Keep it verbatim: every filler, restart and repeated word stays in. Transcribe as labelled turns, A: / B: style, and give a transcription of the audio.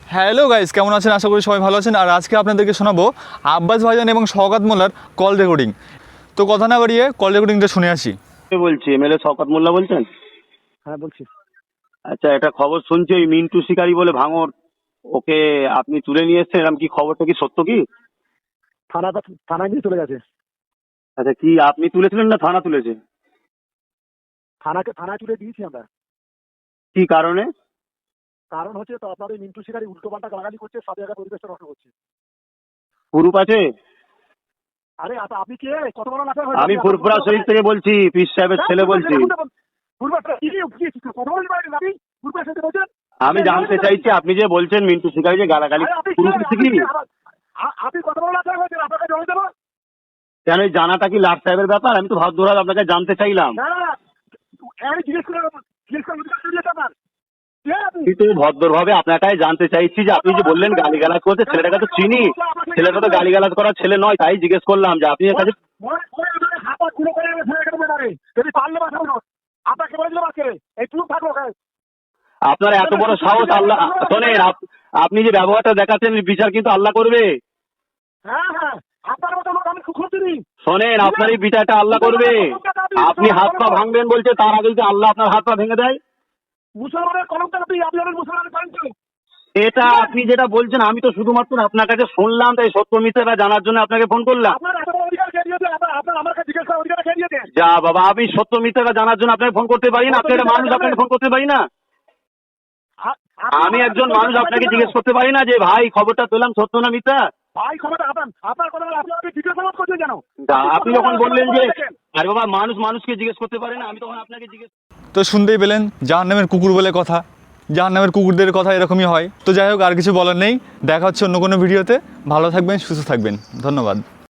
A: Hello guys, কেমন আছেন? আশা করি সবাই ভালো আছেন। আর আজকে আপনাদেরকে শোনাবো আব্বাস ভাইজান এবং শওকত মোল্লার কল রেকর্ডিং। তো কথা না বাড়িয়ে কল রেকর্ডিংটা শুনে আসি।
B: কে বলছি? এমএলএ শওকত মোল্লা বলছেন?
C: হ্যাঁ বলছি।
B: আচ্ছা, এটা খবর শুনছি ওই মিন্টু শিকারি বলে ভাঙর, ওকে আপনি তুলে নিয়ে এসছেন, এরকম কি খবরটা কি সত্য কি?
C: থানা থানায় নিয়ে চলে গেছে।
B: আচ্ছা, কি আপনি তুলেছিলেন না থানা তুলেছে?
C: থানাকে থানায় তুলে দিয়েছি আমরা।
B: কি কারণে?
C: কারণ হচ্ছে তো আপনার ওই মিন্টু শিকারি উল্টো পাল্টা গালাগালি করছে, সব জায়গায় পরিবেশটা নষ্ট করছে।
B: গ্রুপ আছে?
C: আরে আপ- আপনি কে? কত বড় নাটক হয়?
B: আমি ফুরফুরা শরীফ থেকে বলছি, পিস সাহেবের ছেলে বলছি। আমি জানতে চাইছি, আপনি যে বলছেন মিন্টু শিকারি যে গালাগালি গ্রুপ থেকে,
C: আপনি কত বড় নাটক হয়েছেন? আপনাকে জমা দেবো
B: কেন এই জানাটা কি লাট সাহেবের ব্যাপার? আমি তো ভদ্রভাবে আপনাকে জানতে চাইলাম।
C: না, না, না, আমি জিজ্ঞেস করে জিজ্ঞেস করে অধিকার দিয়েছে আপনার। কে আপনি?
B: কিন্তু ভদ্রভাবে আপনাকে জানতে চাইছি যে আপনি যে বললেন গালিগালাজ করতে, ছেলেটাকে তো চিনি, ছেলেটা তো গালিগালাজ করার ছেলে নয়, তাই জিজ্ঞেস করলাম যে আপনি এর কাছে
C: মনে মনে মনে হাতা গুলো করে আমি ফেলে দেবো এবারে। যদি পারলে বাসা হলো আপনাকে বলে দিলাম আজকে এই চুপ থাকো ওখানে।
B: আপনার এত বড় সাহস! আল্লাহ শোনেন, আপ- আপনি যে ব্যবহারটা দেখাচ্ছেন বিচার কিন্তু আল্লাহ করবে।
C: হ্যাঁ হ্যাঁ, আপনার মতো লোক আমি খুঁজছি নি।
B: শোনেন, আপনার এই বিচারটা আল্লাহ করবে। আপনি হাত পা ভাঙবেন বলছে, তার আগে যদি আল্লাহ আপনার হাত পা ভেঙে দেয়।
C: মুসলমানের কলমটা আপনি আপনাদের মুসলমানের করেন তো।
B: এটা আপনি যেটা বলছেন, আমি তো শুধুমাত্র আপনার কাছে শুনলাম, তাই সত্য মিথ্যাটা জানার জন্য আপনাকে ফোন করলাম।
C: আপনার এত বড় অধিকার কে দিয়েছে? আপনার আপনার আমার কাছে জিজ্ঞেস করার অধিকার কে দিয়েছে?
B: যা বাবা, আমি সত্য মিথ্যাটা জানার জন্য আপনাকে ফোন করতে পারি না? আপনি একটা মানুষ, আপনাকে ফোন করতে পারি না?
C: আ- আপনি-
B: আমি একজন মানুষ, আপনাকে জিজ্ঞেস করতে পারি না যে ভাই খবরটা পেলাম সত্য না মিথ্যা?
C: ভাই ক্ষমতা আপনার আপনার কথা বলে আপনি আমাকে ভিডিও সালাদ করছেন কেন?
B: তা আপনি যখন বললেন যে আরে বাবা, মানুষ মানুষকে জিজ্ঞেস করতে পারে না, আমি তখন আপনাকে জিজ্ঞেস।
A: তো শুনতেই পেলেন, জাহান্নামের কুকুর বলে কথা। জাহান্নামের কুকুরদের কথা এরকমই হয়। তো যাই হোক, আর কিছু বলার নেই। দেখা হচ্ছে অন্য কোনো ভিডিওতে। ভালো থাকবেন, সুস্থ থাকবেন। ধন্যবাদ।